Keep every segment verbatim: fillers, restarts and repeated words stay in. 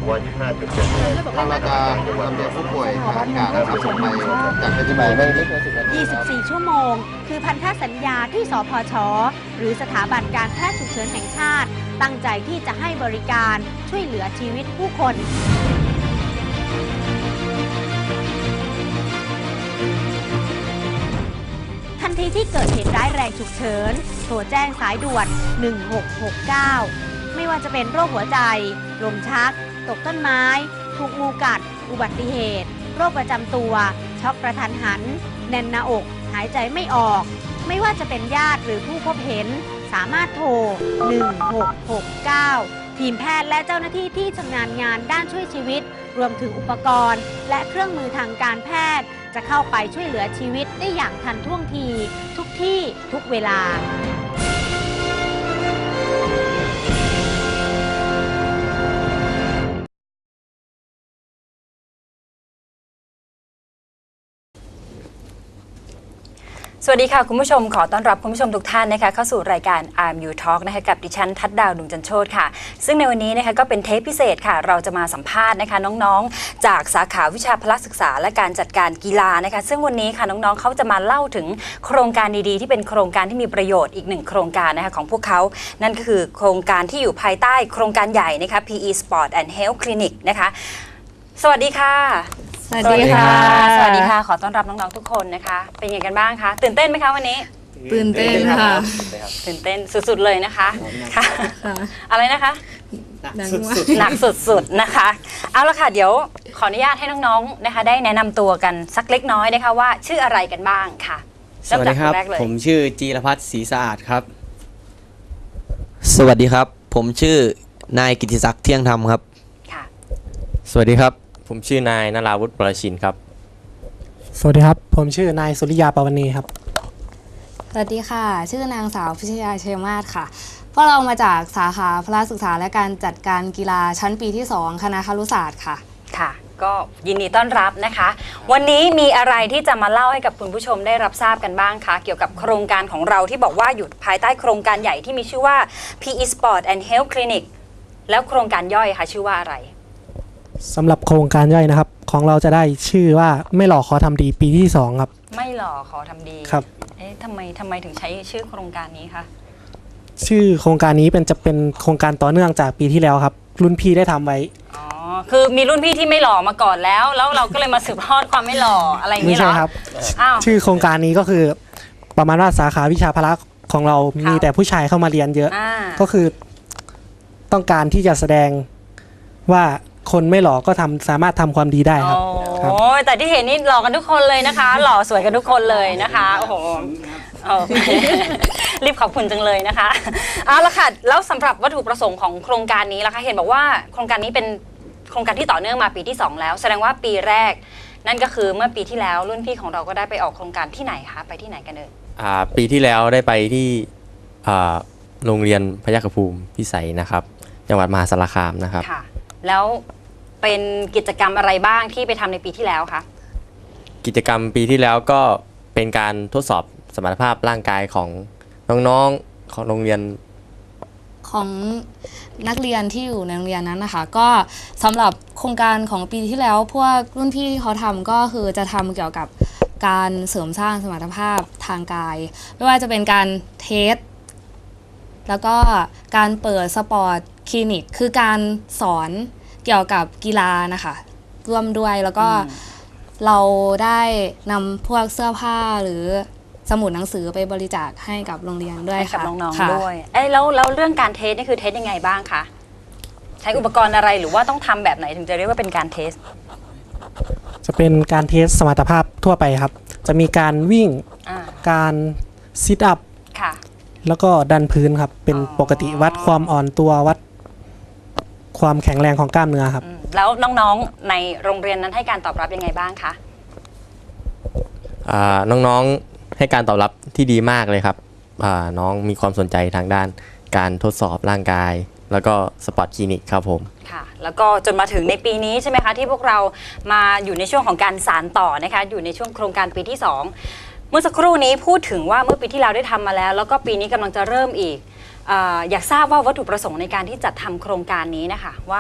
ทางเราจะลำเลียงผู้ป่วยทางอากาศนะครับส่งไปจากเพชรบูรณ์ยี่สิบสี่ ชั่วโมง คือพันธสัญญาที่สพช หรือสถาบันการแพทย์ฉุกเฉินแห่งชาติ ตั้งใจที่จะให้บริการช่วยเหลือชีวิตผู้คน ทันทีที่เกิดเหตุร้ายแรงฉุกเฉินโทรแจ้งสายด่วน หนึ่งหกหกเก้า ไม่ว่าจะเป็นโรคหัวใจ ลมชัก ตกต้นไม้ ถูกงูกัด อุบัติเหตุ โรคประจำตัว ช็อกกระทันหัน แน่นหน้าอก หายใจไม่ออก ไม่ว่าจะเป็นญาติหรือผู้พบเห็น สามารถโทร หนึ่งหกหกเก้า ทีมแพทย์และเจ้าหน้าที่ที่ชำนาญงานด้านช่วยชีวิต รวมถึงอุปกรณ์ และเครื่องมือทางการแพทย์ จะเข้าไปช่วยเหลือชีวิตได้อย่างทันท่วงที ทุกที่ทุกเวลาสวัสดีค่ะคุณผู้ชมขอต้อนรับคุณผู้ชมทุกท่านนะคะเข้าสู่รายการ อาร์ม ยู Talk นะคะกับดิฉันทัดดาวดุงจันโชติค่ะซึ่งในวันนี้นะคะก็เป็นเทปพิเศษค่ะเราจะมาสัมภาษณ์นะคะน้องๆจากสาขาวิชาพละศึกษาและการจัดการกีฬานะคะซึ่งวันนี้ค่ะน้องๆเขาจะมาเล่าถึงโครงการดีๆที่เป็นโครงการที่มีประโยชน์อีกหนึ่งโครงการนะคะของพวกเขานั่นก็คือโครงการที่อยู่ภายใต้โครงการใหญ่นะคะ พี อี Sport and Health Clinic นะคะสวัสดีค่ะสวัสดีค่ะสวัสดีค่ะขอต้อนรับน้องๆทุกคนนะคะเป็นยังไงกันบ้างคะตื่นเต้นไหมคะวันนี้ตื่นเต้นค่ะตื่นเต้นสุดๆเลยนะคะค่ะอะไรนะคะหนักสุดๆนะคะเอาละค่ะเดี๋ยวขออนุญาตให้น้องๆนะคะได้แนะนำตัวกันสักเล็กน้อยนะคะว่าชื่ออะไรกันบ้างค่ะสวัสดีครับผมชื่อจีรพัฒน์ศรีสะอาดครับสวัสดีครับผมชื่อนายกิติศักดิ์เที่ยงธรรมครับค่ะสวัสดีครับผมชื่อนายนราวุฒิ ประชินครับสวัสดีครับผมชื่อนายสุริยาปวณีครับสวัสดีค่ะชื่อนางสาวพิชยาเชยมาศค่ะพวกเรามาจากสาขาพละศึกษาและการจัดการกีฬาชั้นปีที่สองคณะครุศาสตร์ค่ะค่ะก็ยินดีต้อนรับนะคะวันนี้มีอะไรที่จะมาเล่าให้กับคุณผู้ชมได้รับทราบกันบ้างคะเกี่ยวกับโครงการของเราที่บอกว่าอยู่ภายใต้โครงการใหญ่ที่มีชื่อว่า พี อี Sport and Health Clinic แล้วโครงการย่อยค่ะชื่อว่าอะไรสำหรับโครงการย่อยนะครับของเราจะได้ชื่อว่าไม่หล่อขอทำดีปีที่สองครับไม่หล่อขอทำดีครับเอ๊ะทำไมทำไมถึงใช้ชื่อโครงการนี้คะชื่อโครงการนี้เป็นจะเป็นโครงการต่อเนื่องจากปีที่แล้วครับรุ่นพี่ได้ทำไว้อ๋อคือมีรุ่นพี่ที่ไม่หล่อมาก่อนแล้วแล้วเราก็เลยมาสืบทอดความไม่หล่ออะไรอย่างนี้เหรอไม่ใช่ครับชื่อโครงการนี้ก็คือประมาณว่าสาขาวิชาพละของเรามีแต่ผู้ชายเข้ามาเรียนเยอะก็คือต้องการที่จะแสดงว่าคนไม่หล่อก็ทำสามารถทำความดีได้ครับโอ้แต่ที่เห็นนี่หล่อกันทุกคนเลยนะคะ หล่อสวยกันทุกคนเลยนะคะโอ้โหรีบขอบคุณจังเลยนะคะเอาละค่ะแล้วสำหรับวัตถุประสงค์ของโครงการนี้ล่ะคะเห็นบอกว่าโครงการนี้เป็นโครงการที่ต่อเนื่องมาปีที่สองแล้วแสดงว่าปีแรกนั่นก็คือเมื่อปีที่แล้วรุ่นพี่ของเราก็ได้ไปออกโครงการที่ไหนคะไปที่ไหนกันเอ่ยอ่าปีที่แล้วได้ไปที่อ่าโรงเรียนพยัคฆภูมิพิสัยนะครับจังหวัดมหาสารคามนะครับค่ะแล้วเป็นกิจกรรมอะไรบ้างที่ไปทำในปีที่แล้วคะกิจกรรมปีที่แล้วก็เป็นการทดสอบสมรรถภาพร่างกายของน้องๆของโรงเรียนของนักเรียนที่อยู่ในโรงเรียนนั้นนะคะก็สำหรับโครงการของปีที่แล้วพวกรุ่นพี่ที่เขาทำก็คือจะทำเกี่ยวกับการเสริมสร้างสมรรถภาพทางกายไม่ว่าจะเป็นการเทสแล้วก็การเปิดสปอร์ตคลินิกคือการสอนเกี่ยวกับกีฬานะคะร่วมด้วยแล้วก็เราได้นำพวกเสื้อผ้าหรือสมุดหนังสือไปบริจาคให้กับโรงเรียนด้วยค่ะกับน้องๆด้วยเอ้แล้วแล้วเรื่องการเทสนี่คือเทสยังไงบ้างคะใช้อุปกรณ์อะไรหรือว่าต้องทำแบบไหนถึงจะเรียกว่าเป็นการเทสจะเป็นการเทสสมรรถภาพทั่วไปครับจะมีการวิ่งการซิทอัพแล้วก็ดันพื้นครับเป็นปกติวัดความอ่อนตัววัดความแข็งแรงของกล้ามเนื้อครับแล้วน้องๆในโรงเรียนนั้นให้การตอบรับยังไงบ้างคะน้องๆให้การตอบรับที่ดีมากเลยครับน้องมีความสนใจทางด้านการทดสอบร่างกายแล้วก็สปอร์ตคลินิกครับผมค่ะแล้วก็จนมาถึงในปีนี้ใช่ไหมคะที่พวกเรามาอยู่ในช่วงของการสานต่อนะคะอยู่ในช่วงโครงการปีที่สองเมื่อสักครู่นี้พูดถึงว่าเมื่อปีที่เราได้ทำมาแล้วแล้วก็ปีนี้กำลังจะเริ่มอีกอยากทราบว่าวัตถุประสงค์ในการที่จัดทำโครงการนี้นะคะว่า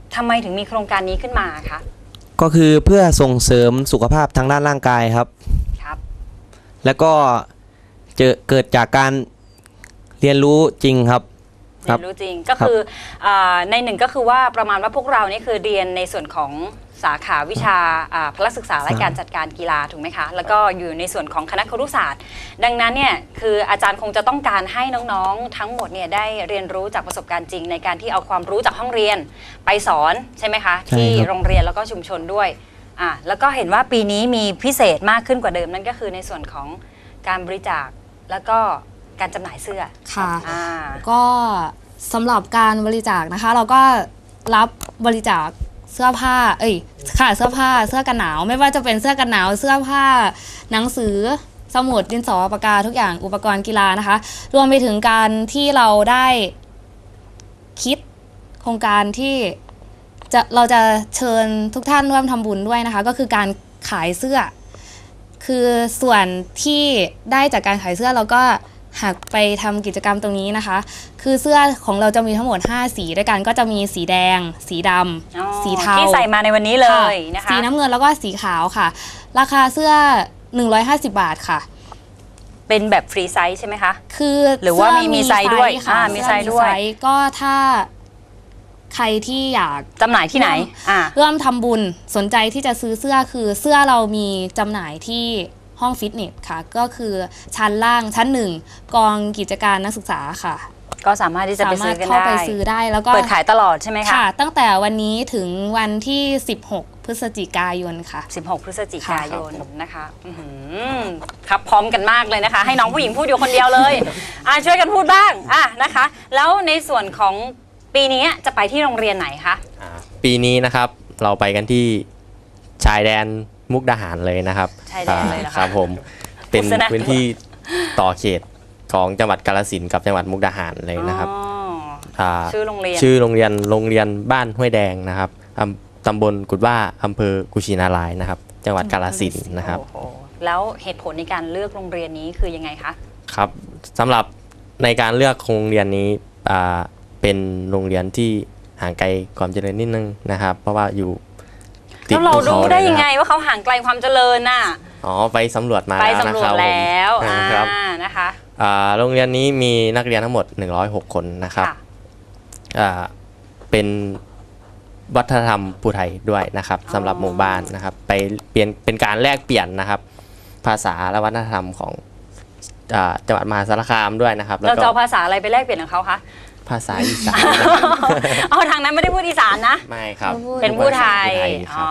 ทำไมถึงมีโครงการนี้ขึ้นมาคะก็คือเพื่อส่งเสริมสุขภาพทางด้านร่างกายครับครับแล้วก็เจอเกิดจากการเรียนรู้จริงครับเรียนรู้จริงก็คืออาในหนึ่งก็คือว่าประมาณว่าพวกเรานี่คือเรียนในส่วนของสาขาวิชาอ่าพละศึกษาและการจัดการกีฬาถูกไหมคะแล้วก็อยู่ในส่วนของคณะครุศาสตร์ดังนั้นเนี่ยคืออาจารย์คงจะต้องการให้น้องๆทั้งหมดเนี่ยได้เรียนรู้จากประสบการณ์จริงในการที่เอาความรู้จากห้องเรียนไปสอนใช่ไหมคะใช่ครับที่โรงเรียนแล้วก็ชุมชนด้วยอ่าแล้วก็เห็นว่าปีนี้มีพิเศษมากขึ้นกว่าเดิมนั่นก็คือในส่วนของการบริจาคแล้วก็การจำหน่ายเสื้อค่ะอ่าก็สำหรับการบริจาคนะคะ เราก็รับบริจาคเสื้อผ้า เอ้ยค่ะเสื้อผ้าเสื้อกันหนาว ไม่ว่าจะเป็นเสื้อกันหนาวเสื้อผ้าหนังสือสมุดดินสอปากกาทุกอย่างอุปกรณ์กีฬานะคะ รวมไปถึงการที่เราได้คิดโครงการที่จะเราจะเชิญทุกท่านร่วมทำบุญด้วยนะคะ ก็คือการขายเสื้อ คือส่วนที่ได้จากการขายเสื้อเราก็หักไปทำกิจกรรมตรงนี้นะคะ คือเสื้อของเราจะมีทั้งหมดห้าสีด้วยกันก็จะมีสีแดง สีดอ๋อำสีเทาที่ใส่มาในวันนี้เลยนะคะสีน้ำเงินแล้วก็สีขาวค่ะ ราคาเสื้อหนึ่งร้อยห้าสิบบาทค่ะเป็นแบบฟรีไซส์ใช่ไหมคะคือหรือว่ามีเสื้มีไซส์ด้วยค่ะอ่ามีไซส์ด้วยเสื้อก็ถ้าใครที่อยากจำหน่ายที่ไหนอ่าร่วมทำบุญสนใจที่จะซื้อเสื้อคือเสื้อเรามีจำหน่ายที่ห้องฟิตเนสค่ะ ก็คือชั้นล่างชั้นหนึ่งกองกิจการนักศึกษาค่ะก็สามารถที่จะไปสามารซื้ถอกันเข้าได้ไปซื้อได้แล้วก็เปิดขายตลอดใช่ไหมคะค่ะ ตั้งแต่วันนี้ถึงวันที่สิบหกพฤศจิกายนค่ะสิบหก พฤศจิกายนนะคะอื้อหือครับพร้อมกันมากเลยนะคะ ให้น้องผู้หญิงพูดอยู่คนเดียวเลยอ่ะช่วยกันพูดบ้างอ่ะนะคะ แล้วในส่วนของปีนี้จะไปที่โรงเรียนไหนคะอ่าปีนี้นะครับเราไปกันที่ชายแดนมุกดาหารเลยนะครับชายแดนเลยเหรอคะครับผมเป็นพูดซะนะพื้นที่ต่อเขตของจังหวัดกาฬสินธุ์กับจังหวัดมุกดาหารเลยนะครับอ๋อาชื่อโรงเรียนชื่อโรงเรียนโรงเรียนบ้านห้วยแดงนะครับอำตำบลกุดว่าอำเภอกุชินารายณ์นะครับ จังหวัดกาฬสินธุ์นะครับโอ้โหแล้วเหตุผลในการเลือกโรงเรียนนี้คือยังไงคะครับสำหรับในการเลือกโรงเรียนนี้อ่าเป็นโรงเรียนที่ห่างไกลความเจริญนิดนึงนะครับ เพราะว่าอยู่ติดแล้วเราภูขรู้ได้ลยังไงนะครับว่าเขาห่างไกลความเจริญน่ะอ๋อไปสำรวจมาไปแล้วสำนะรวคจรับผมแล้วอ่าอ่าครับนะคะอ่าโรงเรียนนี้มีนักเรียนทั้งหมดหนึ่งร้อยหกคนนะครับค่ะอ่าเป็นวัฒนธรรมภูไทยด้วยนะครับสำหรับหมู่บ้านนะครับ ไปเปลี่ยนเป็นการแลกเปลี่ยนนะครับ ภาษาและวัฒนธรรมของอ่าจังหวัดมหาสารคามด้วยนะครับ แล้วเราก็จะเอาภาษาอะไรไปแลกเปลี่ยนกับเขาคะภาษาอีสานเอาทางนั้นไม่ได้พูดอีสานนะไม่ครับเป็นผู้ไทยผู้ไทยคอ๋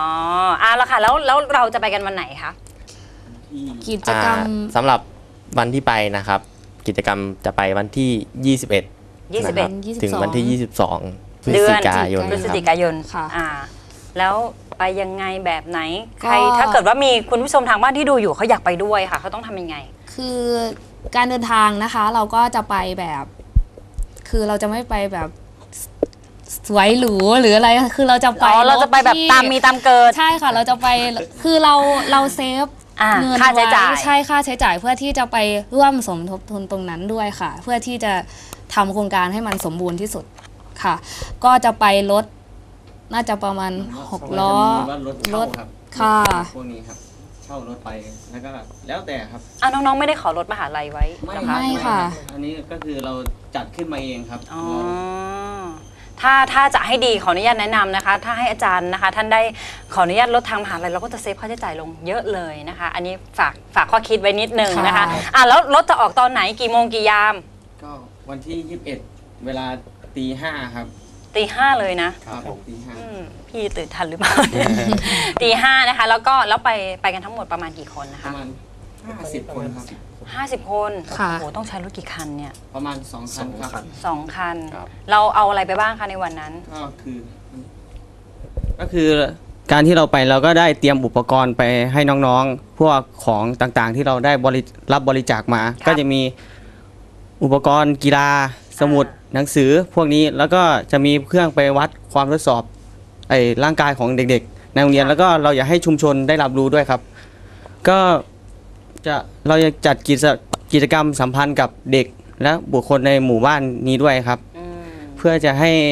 รัอบ อ่ะแล้วค่ะแล้วแล้วเราจะไปกันวันไหนคะกิจกรรมอ่าสำหรับวันที่ไปนะครับ กิจกรรมจะไปวันที่ ยี่สิบเอ็ดยี่สิบเอ็ดนะครับถึงวันที่ ยี่สิบสอง พฤเดืศอนจิกายนพฤศครับจิกายนค่ะอ่า แล้วไปยังไงแบบไหนก็ใครถ้าเกิดว่ามีคุณผู้ชมทางบ้านที่ดูอยู่เขาอยากไปด้วยค่ะเขาต้องทำยังไงคือการเดินทางนะคะ เราก็จะไปแบบ คือเราจะไม่ไปแบบสวยหรูหรืออะไรคือเราจะไปอ๋อ เราจะไปแบบที่ตามมีตามเกิดใช่ค่ะเราจะไปคือเราเราเซฟอ่าเงินค่าใช้จ่ายไว้ใช่ค่าใช้จ่ายเพื่อที่จะไปร่วมสมทบทุนตรงนั้นด้วยค่ะ เพื่อที่จะทำโครงการให้มันสมบูรณ์ที่สุดค่ะ ก็จะไปรถน่าจะประมาณหกล้อรถเช่าครับค่ะพวกนี้ครับ เช่ารถไปแล้วก็แล้วแต่ครับอ่ะน้องๆไม่ได้ขอรถมหาลัยไว้เหรอคะไม่ค่ะอันนี้ก็คือเราจัดขึ้นมาเองครับอ๋อถ้าถ้าจะให้ดีขออนุญาตแนะนำนะคะ ถ้าให้อาจารย์นะคะ ท่านได้ขออนุญาตลดทางมหาลัยเราก็จะเซฟค่าใช้จ่ายลงเยอะเลยนะคะ อันนี้ฝากฝากข้อคิดไว้นิดนึงนะคะค่ะอ่ะแล้วรถจะออกตอนไหนกี่โมงกี่ยามก็วันที่ยี่สิบเอ็ดเวลาตีห้าครับตีห้าเลยนะครับผมตีห้าอืมพี่ตื่นทันหรือเปล่า ตีห้านะคะ แล้วก็แล้วไปไปกันทั้งหมดประมาณกี่คนนะปคะระมาณห้าสิบคนครับห้าสิบคนค่ะโอ้โหต้องใช้รถกี่คันเนี่ยประมาณสองคันครับสองคันครับเราเอาอะไรไปบ้างคะในวันนั้นก็คือก็คือการที่เราไปเราก็ได้เตรียมอุปกรณ์ไปให้น้องๆ พวกของต่างๆ ที่เราได้บริรับบริจาคมาครับก็จะมีอุปกรณ์กีฬาสมุดหนังสือพวกนี้แล้วก็จะมีเครื่องไปวัดความทดสอบไอ้ร่างกายของเด็กๆ ในโรงเรียนแล้วก็เราอยากให้ชุมชนได้รับรู้ด้วยครับ ก็จะเราจะจัดกิจกิจกรรมสัมพันธ์กับเด็กและบุคคลในหมู่บ้านนี้ด้วยครับอืมเพื่อจะให้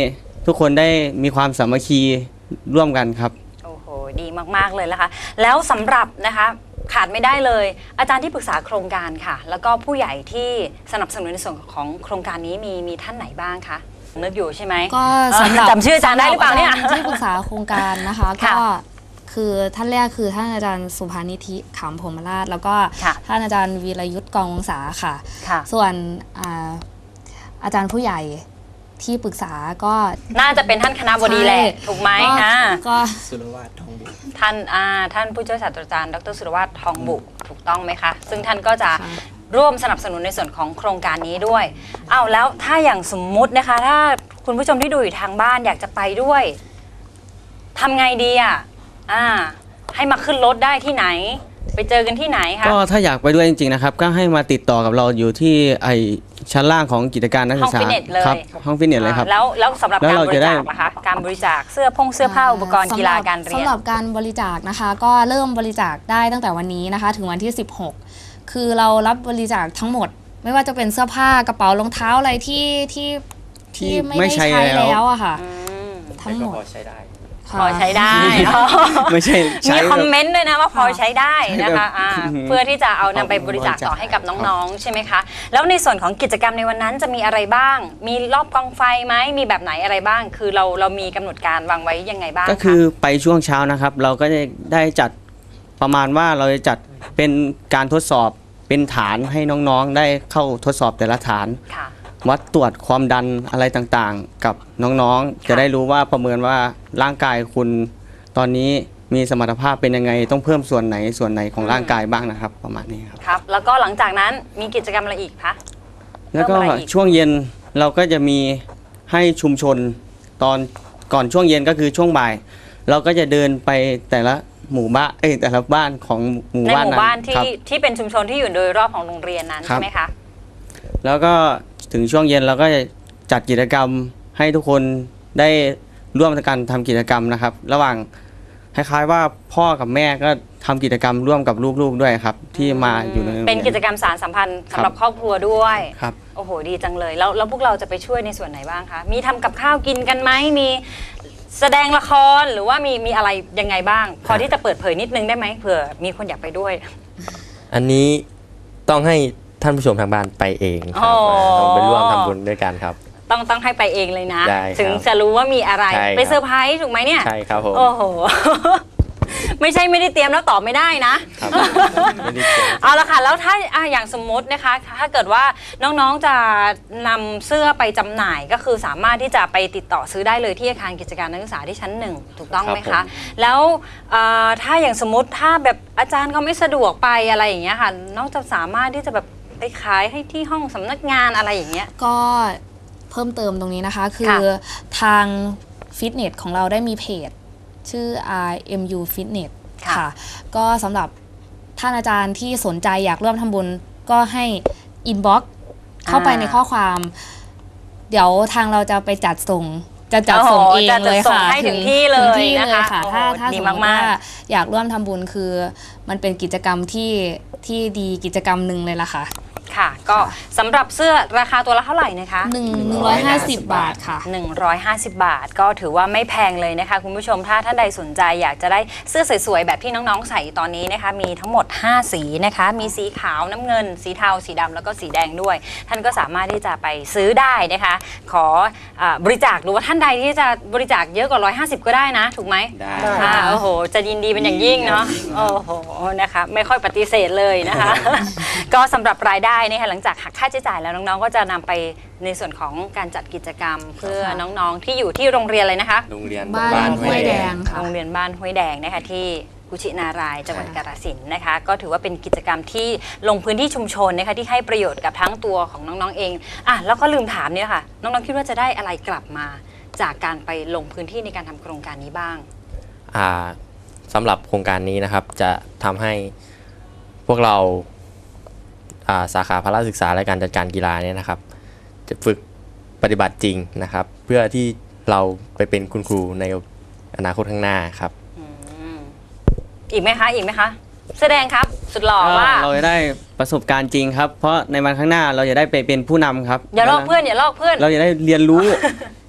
ทุกคนได้มีความสามัคคีร่วมกันครับโอ้โหดีมากๆเลยนะคะแล้วสำหรับนะคะขาดไม่ได้เลยอาจารย์ที่ปรึกษาโครงการค่ะแล้วก็ผู้ใหญ่ที่สนับสนุนในส่วนของโครงการนี้มีมีท่านไหนบ้างคะนึกอยู่ใช่ไหมก็สำหรับจำชื่ออาจารย์ได้หรือเปล่าเนี่ยสำหบอาจารที่ปรึกษาโครงการนะคะค่ะก็คือท่านแรกคือท่านอาจารย์สุภานิธิขำพรหมราชแล้วก็ค่ะท่านอาจารย์วีรยุทธ์กองวงศาค่ะค่ะส่วนอ่าอาจารย์ผู้ใหญ่ที่ปรึกษาก็น่าจะเป็นท่านคณะบดีแหละถูกไหมก็อ่าก็สุรวาททองบุตรท่านอ่าท่านผู้ช่วยศาสตราจารย์ดรสุรวัตรทองบุถูกต้องไหมคะซึ่งท่านก็จะร่วมสนับสนุนในส่วนของโครงการนี้ด้วยอ้าวแล้วถ้าอย่างสมมุตินะคะถ้าคุณผู้ชมที่ดูอยู่ทางบ้านอยากจะไปด้วยทำไงดีอ่ะอ่าให้มาขึ้นรถได้ที่ไหน ไปเจอกันที่ไหนคะก็ถ้าอยากไปด้วยจริงๆนะครับก็ให้มาติดต่อกับเราอยู่ที่ไอชั้นล่างของกิจการนักศึกษาห้องฟิตเนสเลยครับห้องฟิตเนสเลยครับอ่าแล้วแล้วสำหรับแล้วการเราบจะริได้จาคนะคะการบริจาคเสื้อพงเสื้อผ้าอุปกรณ์กีฬาการเรียนสำหรับการบริจาคนะคะ ก็เริ่มบริจาคได้ตั้งแต่วันนี้นะคะ ถึงวันที่สิบหกคือเรารับบริจาคทั้งหมด ไม่ว่าจะเป็นเสื้อผ้ากระเป๋ารองเท้าอะไรที่ที่ที่ไม่ไม่ได้ใช้ใช้แล้วแล้วอะค่ะอืมทั้งหมดพอใช้ได้ค่ะพอใช้ได้ไม่ใช่ใช้มีคอมเมนต์ด้วยนะว่าพอใช้ได้นะคะใช้แบบอ่าอืมเพื่อที่จะเอานำไปบริจาคต่อให้กับน้องๆ ใช่ไหมคะ แล้วในส่วนของกิจกรรมในวันนั้นจะมีอะไรบ้าง มีรอบกองไฟไหมมีแบบไหนอะไรบ้าง คือเราเรามีกำหนดการวางไว้ยังไงบ้างก็คือไปช่วงเช้านะครับ เราก็จะได้จัดประมาณว่าเราจะจัดเป็นการทดสอบเป็นฐานให้น้องๆ ได้เข้าทดสอบแต่ละฐานค่ะวัดตรวจความดันอะไรต่างๆ กับน้องๆ จะได้รู้ว่าประเมินว่าร่างกายคุณตอนนี้มีสมรรถภาพเป็นยังไงต้องเพิ่มส่วนไหนส่วนไหนของร่างกายบ้างนะครับ ประมาณนี้ครับครับ แล้วก็หลังจากนั้นมีกิจกรรมอะไรอีกคะแล้วก็เพิ่มอะไรอีกช่วงเย็นเราก็จะมีให้ชุมชนตอนก่อนช่วงเย็นก็คือช่วงบ่าย เราก็จะเดินไปแต่ละหมู่บ้านเอ้ยแต่ละบ้านของหมู่ในบ้านหมู่นั้นบ้านที่ครับที่เป็นชุมชนที่อยู่โดยรอบของโรงเรียนนั้นครับใช่ไหมคะแล้วก็ถึงช่วงเย็นเราก็จะจัดกิจกรรมให้ทุกคนได้ร่วมกันทำกิจกรรมนะครับ ระหว่างคล้ายๆว่าพ่อกับแม่ก็ทำกิจกรรมร่วมกับลูกๆด้วยครับ ที่มาอยู่ในโรงรียเป็นกิจกรรมสารสัมพันธ์สำหรับครอบครัวด้วยครับโอ้โหดีจังเลยแล้วแล้วพวกเราจะไปช่วยในส่วนไหนบ้างคะมีทำกับข้าวกินกันไหมมีแสดงละครหรือว่ามีมีอะไรยังไงบ้าง พอที่จะเปิดเผยนิดนึงได้ไหมเผื่อมีคนอยากไปด้วยอันนี้ต้องให้ท่านผู้ชมทางบ้านไปเองครับอ๋อต้องไปร่วมทำบุญด้วยกันครับต้องต้องให้ไปเองเลยนะได้ครับถึงจะรู้ว่ามีอะไรใช่ครับไปเซอร์ไพรส์ถูกไหมเนี่ยใช่ครับผมโอ้โห ไม่ใช่ไม่ได้เตรียมแล้วตอบไม่ได้นะครับไม่ได้เจอเอาละค่ะ แล้วถ้าอ่ะอย่างสมมตินะคะ ถ้าเกิดว่าน้องๆจะนำเสื้อไปจำหน่าย ก็คือสามารถที่จะไปติดต่อซื้อได้เลยที่อาคารกิจการนักศึกษาที่ชั้นหนึ่งถูกต้องไหมครัคะบผมแล้วเอ่อถ้าอย่างสมมติถ้าแบบอาจารย์เขาไม่สะดวกไปอะไรอย่างเงี้ยค่ะ น้องจะสามารถที่จะแบบไปขายให้ที่ห้องสำนักงานอะไรอย่างเงี้ยก็เพิ่มเติมตรงนี้นะคะ คืค่ะอทางฟิตเนสของเราได้มีเพจ ชื่อ อาร์ เอ็ม ยู Fitness ค่ะค่ะ ก็สำหรับท่านอาจารย์ที่สนใจอยากร่วมทำบุญก็ให้อินบ็อกซ์เข้าไปในข้อความ เดี๋ยวทางเราจะไปจัดส่ง จะจัดส่งเองจะจัดเลยส่งค่ะให้ถึงที่เลยถึงที่นะเลยคะค่ะโอ้โหถ้าถ้าดีสมมติมากว่าๆอยากร่วมทำบุญคือ มันเป็นกิจกรรมที่ที่ดีกิจกรรมหนึ่งเลยล่ะค่ะค่ะ ก็สำหรับเสื้อราคาตัวละเท่าไหร่นะคะหนึ่งหนึ่งร้อยห้าสิบบาทค่ะหนึ่งร้อยห้าสิบบาทก็ถือว่าไม่แพงเลยนะคะคุณผู้ชมถ้าท่านใดสนใจอยากจะได้เสื้อสวยๆแบบที่น้องๆใส่ตอนนี้นะคะมีทั้งหมดห้าสีนะคะมีสีขาวน้ำเงิน สีเทาสีดำแล้วก็สีแดงด้วย ท่านก็สามารถที่จะไปซื้อได้นะคะขออ่าบริจาคหรือว่าท่านใดที่จะบริจาคเยอะกว่าหนึ่งร้อยห้าสิบก็ได้นะถูกไหมได้อ่าโอ้โหจะยินดีเป็นอย่างยิ่งเนาะโอ้โหนะคะไม่ค่อยปฏิเสธเลยนะคะ ก็สำหรับรายได้นะคะหลังจากหักค่าใช้จ่ายแล้วน้องๆก็จะนำไปในส่วนของการจัดกิจกรรม เพื่อน้องๆที่อยู่ที่โรงเรียนเลยนะคะโรงเรียนบ้านห้วยแดงค่ะโรงเรียนบ้านห้วยแดงนะคะที่กุชินารายณ์จังหวัดกาฬสินธุ์นะคะก็ถือว่าเป็นกิจกรรมที่ลงพื้นที่ชุมชนนะคะที่ให้ประโยชน์กับทั้งตัวของน้องๆเองอ่ะแล้วก็ลืมถามเนี่ยค่ะน้องๆคิดว่าจะได้อะไรกลับมา จากการไปลงพื้นที่ในการทำโครงการนี้บ้างอ่าสำหรับโครงการนี้นะครับจะทำให้พวกเราอ่าสาขาพละศึกษาและการจัดการกีฬาเนี่ยนะครับ จะฝึกปฏิบัติจริงนะครับ เพื่อที่เราไปเป็นคุณครูในอนาคตข้างหน้าครับอีกไหมคะอีกไหมคะแสดงครับสุดหล่อว่าเราจะได้ประสบการณ์จริงครับ เพราะในวันข้างหน้าเราจะได้ไปเป็นผู้นำครับอย่าลอกเพื่อนอย่าลอกเพื่อนเราจะได้เรียนรู้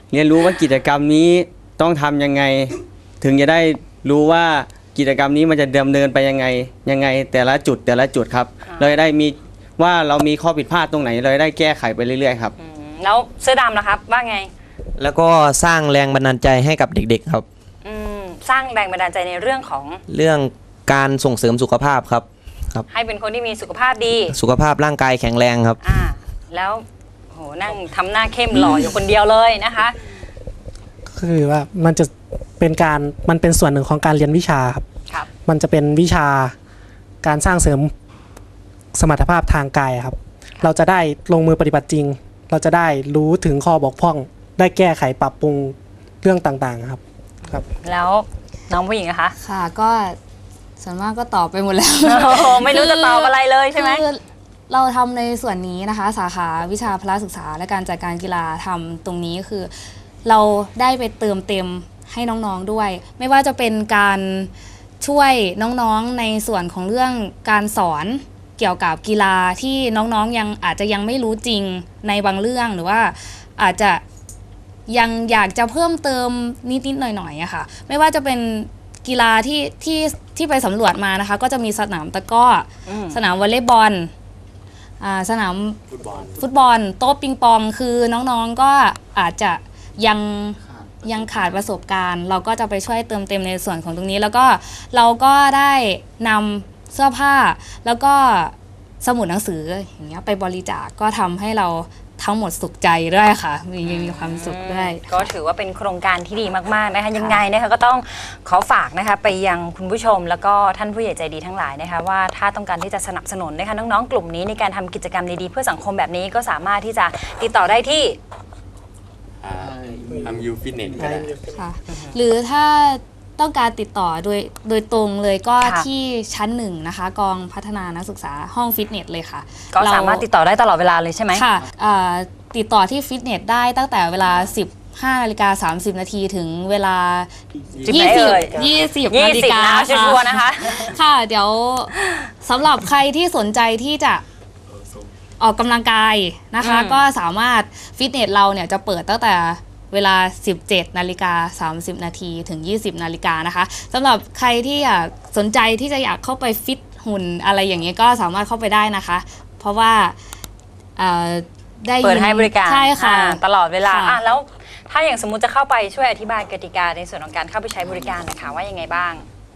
เรียนรู้ว่ากิจกรรมนี้ต้องทำยังไง ถึงจะได้รู้ว่ากิจกรรมนี้มันจะดำเนินไปยังไงยังไงแต่ละจุดแต่ละจุดครับเราจะได้มีว่าเรามีข้อผิดพลาดตรงไหนเราจะได้แก้ไขไปเรื่อยๆครับอืมแล้วเสื้อดำนะครับว่าไงแล้วก็สร้างแรงบันดาลใจให้กับเด็กๆครับอืมสร้างแรงบันดาลใจในเรื่องของเรื่องการส่งเสริมสุขภาพครับครับให้เป็นคนที่มีสุขภาพดีสุขภาพร่างกายแข็งแรงครับอ่าแล้วโหนั่งทำหน้าเข้มหล่ออยู่คนเดียวเลยนะคะคือว่ามันจะเป็นการมันเป็นส่วนหนึ่งของการเรียนวิชาครับครับมันจะเป็นวิชาการสร้างเสริมสมรรถภาพทางกายครับ เราจะได้ลงมือปฏิบัติจริง เราจะได้รู้ถึงข้อบกพร่อง ได้แก้ไขปรับปรุงเรื่องต่างๆครับครับแล้วน้องผู้หญิงอะคะค่ะก็ส่วนมากก็ตอบไปหมดแล้วโอ้โหไม่รู้จะตอบอะไรเลยใช่ไหมคือเราทำในส่วนนี้นะคะ สาขาวิชาพละศึกษาและการจัดการกีฬาทำตรงนี้คือ เราได้ไปเติมเต็มให้น้องๆด้วย ไม่ว่าจะเป็นการช่วยน้องๆในส่วนของเรื่องการสอนเกี่ยวกับกีฬาที่น้องๆยังอาจจะยังไม่รู้จริงในบางเรื่องหรือว่าอาจจะยังอยากจะเพิ่มเติมนิดๆหน่อยๆอะค่ะไม่ว่าจะเป็นกีฬาที่ที่ที่ไปสำรวจมานะคะก็จะมีสนามตะกร้ออสนามวอลเลย์บอลอ่าสนามฟุตบอลโต๊ะปิงปองคือน้องๆก็อาจจะยังยังขาดประสบการณ์ เราก็จะไปช่วยเติมเต็มในส่วนของตรงนี้แล้วก็เราก็ได้นำเสื้อผ้าแล้วก็สมุดหนังสืออย่างเงี้ยไปบริจาคก็ทำให้เราทั้งหมดสุขใจด้วยค่ะมีมีความสุขด้วยก็ถือว่าเป็นโครงการที่ดีมากๆนะคะยังไงนะคะก็ต้องขอฝากนะคะไปยังคุณผู้ชมแล้วก็ท่านผู้ใหญ่ใจดีทั้งหลายนะคะว่าถ้าต้องการที่จะสนับสนุนนะคะน้องๆกลุ่มนี้ในการทำกิจกรรมดีๆเพื่อสังคมแบบนี้ก็สามารถที่จะติดต่อได้ที่ทำยูฟิตเนสก็ได้ค่ะหรือถ้าต้องการติดต่อโดยโดยตรงเลยก็ค่ะที่ชั้นหนึ่งนะคะกองพัฒนานักศึกษาห้องฟิตเนสเลยค่ะก็สามารถติดต่อได้ตลอดเวลาเลยใช่ไหมค่ะเอ่อติดต่อที่ฟิตเนสได้ตั้งแต่เวลา สิบห้านาฬิกาสามสิบนาทีถึงเวลาสิบไหนเอ่ยยี่สิบยี่นาฬิสิบกานะชัวร์ๆนะคะค่ะเดี๋ยวสำหรับใครที่สนใจที่จะออกกำลังกายนะคะอืมก็สามารถฟิตเนสเราเนี่ยจะเปิดตั้งแต่เวลา สิบเจ็ดนาฬิกาสามสิบนาทีถึง ยี่สิบนาฬิกานะคะสำหรับใครที่อยากสนใจที่จะอยากเข้าไปฟิตหุ่นอะไรอย่างเงี้ยก็สามารถเข้าไปได้นะคะ เพราะว่าเอ่อได้ยินเปิดให้บริการใช่ค่ะอ่าตลอดเวลาค่ะอ่ะแล้วถ้าอย่างสมมุติจะเข้าไปช่วยอธิบายกติกาในส่วนของการเข้าไปใช้บริการนะคะว่ายังไงบ้าง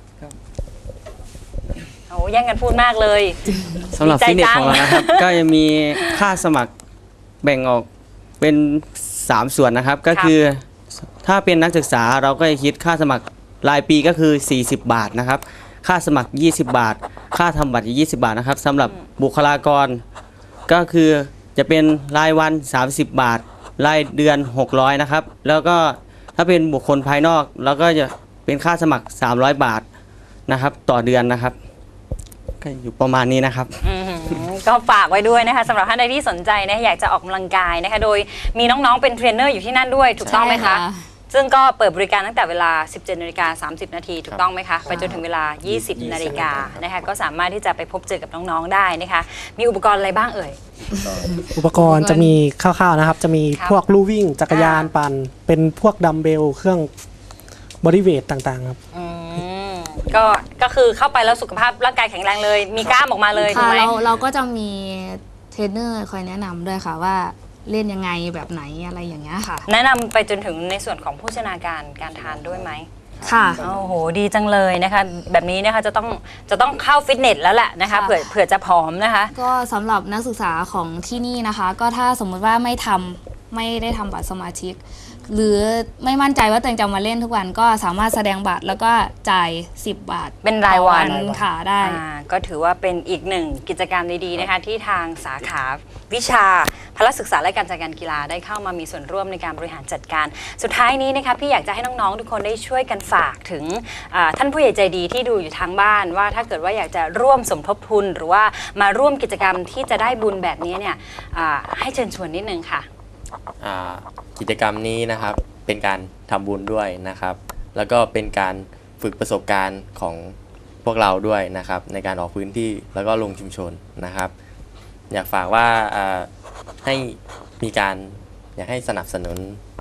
โอ้แย่งกันพูดมากเลยสำหรับดีใจฟิตเนสจังของเรานะครับ ก็จะมีค่าสมัครแบ่งออกเป็นสามส่วนนะครับ ก็คือถ้าเป็นนักศึกษาเราก็จะคิดค่าสมัครรายปีก็คือสี่สิบบาทนะครับ ค่าสมัครยี่สิบบาท ค่าทำบัตรยี่สิบบาทนะครับสำหรับบุคลากรก็คือจะเป็นรายวันสามสิบบาทรายเดือนหกร้อยนะครับแล้วก็ถ้าเป็นบุคคลภายนอกเราก็จะเป็นค่าสมัครสามร้อยบาทนะครับต่อเดือนนะครับก็อยู่ประมาณนี้นะครับอืมก็ฝากไว้ด้วยนะคะสำหรับท่านใดที่สนใจนะอยากจะออกกำลังกายนะคะโดยมีน้องๆเป็นเทรนเนอร์อยู่ที่นั่นด้วยถูกต้องไหมใช่คะค่ะซึ่งก็เปิดบริการตั้งแต่เวลา สิบเจ็ดนาฬิกาสามสิบนาทีถูกต้องไหมคะไปจนถึงเวลา ยี่สิบนาฬิกานะคะก็สามารถที่จะไปพบเจอกับน้องๆได้นะคะมีอุปกรณ์อะไรบ้างเอ่ยอุปกรณ์จะมีคร่าวๆนะครับ จะมีครับพวกลู่วิ่งจักรยานอ่าปั่นเป็นพวกดัมเบลเครื่องบริเวทต่างๆครับอืมก็ก็คือเข้าไปแล้วสุขภาพร่างกายแข็งแรงเลย มีกล้ามออกมาเลยถูกค่ะไหมเราเราก็จะมีเทรนเนอร์คอยแนะนำด้วยค่ะว่าเล่นยังไงแบบไหนอะไรอย่างเงี้ยค่ะแนะนำไปจนถึงในส่วนของโภชนาการการทานด้วยไหมค่ะโอ้โหดีจังเลยนะคะแบบนี้นะคะจะต้องจะต้องเข้าฟิตเนสแล้วแหละนะคะค่ะเผื่อเผื่อจะผอมนะคะก็สำหรับนักศึกษาของที่นี่นะคะ ก็ถ้าสมมุติว่าไม่ทำไม่ได้ทำบัตรสมาชิก หรือไม่มั่นใจว่าตัวเองจะมาเล่นทุกวันก็สามารถแสดงบัตรแล้วก็จ่ายสิบบาทเป็นรายวันต่อค่ะได้อ่าก็ถือว่าเป็นอีกหนึ่งกิจกรรมดีๆนะคะที่ทางสาขาวิชาพละศึกษาและการจัดการกีฬาได้เข้ามามีส่วนร่วมในการบริหารจัดการ สุดท้ายนี้นะคะพี่อยากจะให้น้องๆทุกคนได้ช่วยกันฝากถึงอ่าท่านผู้ใหญ่ใจดีที่ดูอยู่ทางบ้านว่าถ้าเกิดว่าอยากจะร่วมสมทบทุน หรือว่ามาร่วมกิจกรรมที่จะได้บุญแบบนี้เนี่ยอ่าให้เชิญชวนนิดนึงค่ะอ่ากิจกรรมนี้นะครับเป็นการทำบุญด้วยนะครับ แล้วก็เป็นการฝึกประสบการณ์ของพวกเราด้วยนะครับ ในการออกพื้นที่แล้วก็ลงชุมชนนะครับ อยากฝากว่าอ่าให้มีการอยากให้สนับสนุน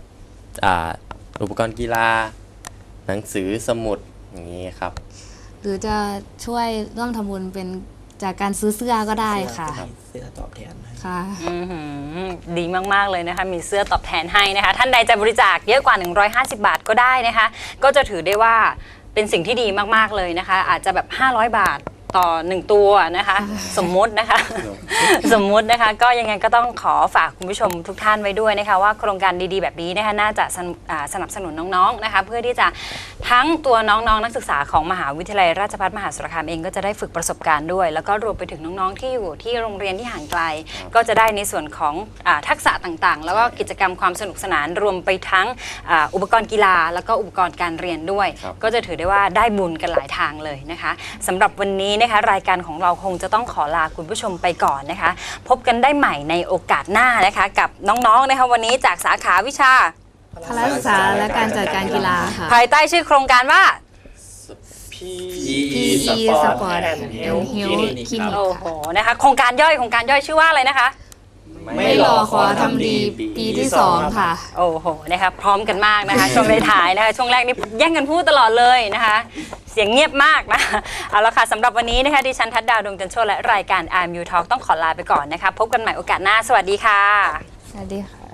อ่าอุปกรณ์กีฬาหนังสือสมุดอย่างนี้ครับหรือจะช่วยร่วมทำบุญเป็นจากการซื้อเสื้อก็ได้ค่ะเสื้อตอบแทนค่ะอื้อหือดีมากๆเลยนะคะมีเสื้อตอบแทนให้นะคะท่านใดจะบริจาคเยอะกว่าหนึ่งร้อยห้าสิบบาทก็ได้นะคะก็จะถือได้ว่าเป็นสิ่งที่ดีมากๆเลยนะคะอาจจะแบบห้าร้อยบาทต่อหนึ่งตัวนะคะสมมุตินะคะ สมมุตินะคะก็ยังไงก็ต้องขอฝากคุณผู้ชมทุกท่านไว้ด้วยนะคะว่าโครงการดีๆแบบนี้นะคะน่าจะสนอ่าสนับสนุนน้องๆนะคะเพื่อที่จะทั้งตัวน้องๆนักศึกษาของมหาวิทยาลัยราชภัฏมหาสารคามเองก็จะได้ฝึกประสบการณ์ด้วยแล้วก็รวมไปถึงน้องๆที่อยู่ที่โรงเรียนที่ห่างไกลก็จะได้ในส่วนของอ่าทักษะต่างๆ แล้วก็กิจกรรมความสนุกสนานรวมไปทั้งอ่าอุปกรณ์กีฬาแล้วก็อุปกรณ์การเรียนด้วยก็จะถือได้ว่าได้บุญกันหลายทางเลยนะคะสำหรับวันนี้นะคะรายการของเราคงจะต้องขอลาคุณผู้ชมไปก่อนนะคะพบกันได้ใหม่ในโอกาสหน้านะคะกับน้องๆนะคะวันนี้จากสาขาวิชาพละศึกษาและการจัดการกีฬาค่ะภายใต้ชื่อโครงการว่าพี อี Sport and Health Clinic โอ้โหนะคะโครงการย่อยโครงการย่อยชื่อว่าอะไรนะคะไม่รอขอทำดีปีที่สองค่ะโอ้โหนะคะพร้อมกันมากนะคะช่วงท้ายๆนะคะช่วงแรกนี่แย่งกันพูดตลอดเลยนะคะเสียงเงียบมากนะเอาละค่ะสำหรับวันนี้นะคะดิฉันทัดดาวดวงจันทร์โชติและรายการ อาร์ เอ็ม ยู Talk ต้องขอลาไปก่อนนะคะพบกันใหม่โอกาสหน้าสวัสดีค่ะสวัสดีค่ะ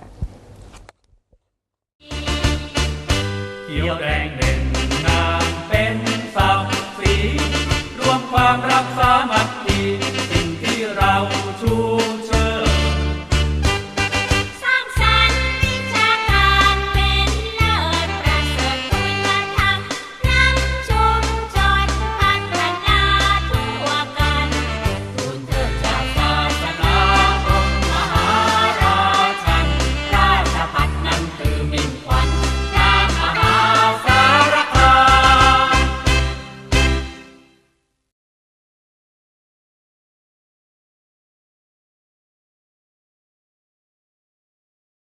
เขียวแดงเด่นงามเป็นศักดิ์ศรีรวมความรักสามัค